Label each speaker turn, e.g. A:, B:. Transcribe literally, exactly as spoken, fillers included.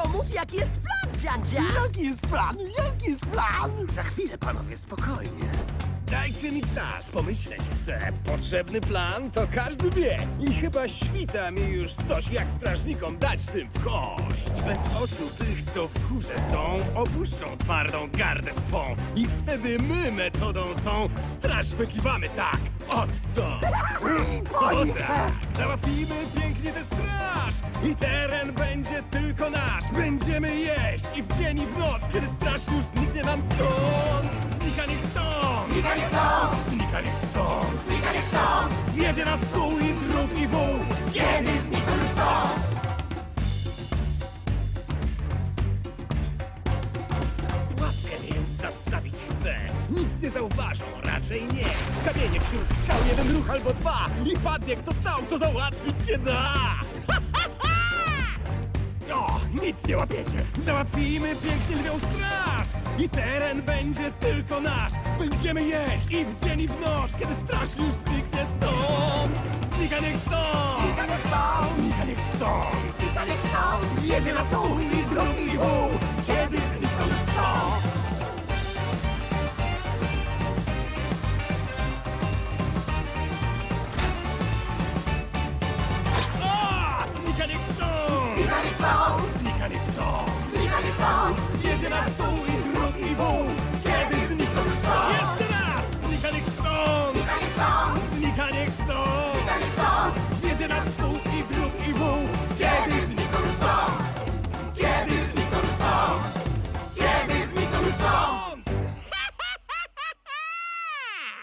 A: to mów, jaki jest plan, dziadzia!
B: Jaki jest plan? Jaki jest plan?
C: Za chwilę, panowie, spokojnie. Dajcie mi czas, pomyśleć chcę. Potrzebny plan to każdy wie. I chyba świta mi już coś, jak strażnikom dać tym w kość. Bez oczu tych, co w górze są, opuszczą twardą gardę swą. I wtedy my metodą tą straż wykiwamy tak. Od co? O tak! Załatwimy pięknie tę straż i teren będzie tylko nasz. Będziemy jeść i w dzień i w noc, kiedy straż już zniknie nam stąd. Znika niech stąd!
B: Znika niech stąd!
C: Znika niech stąd!
B: Znika niech stąd!
C: Jedzie na stół i drut i wół.
B: Kiedy znikną już stąd?
C: Pułapkę więc zastawić chcę. Nic nie zauważą, raczej nie. Kamienie wśród skał, jeden ruch albo dwa. I padnie kto stał, to załatwić się da. Ha, ha, ha! O, nic nie łapiecie. Załatwimy pięknie lwią straż. I teren będzie tylko nasz. Będziemy jeść i w dzień i w noc, kiedy straż już zniknie stąd. Znika niech stąd!
B: Znika niech stąd!
C: Znika niech stąd!
B: Znika niech stąd!
C: Jedzie na stół i drugi wół.
B: Kiedy znikną już stąd?
C: A! Znika niech stąd!
B: Znika niech stąd!
C: Znika niech stąd!
B: Znika niech stąd!
C: Jedzie na stół i drugi wół. Kiedy znikną już stąd? Jeszcze raz! Znika niech stąd!
B: Znika niech stąd!
C: Znika niech stąd!
B: Znika niech stąd!
C: Jedzie na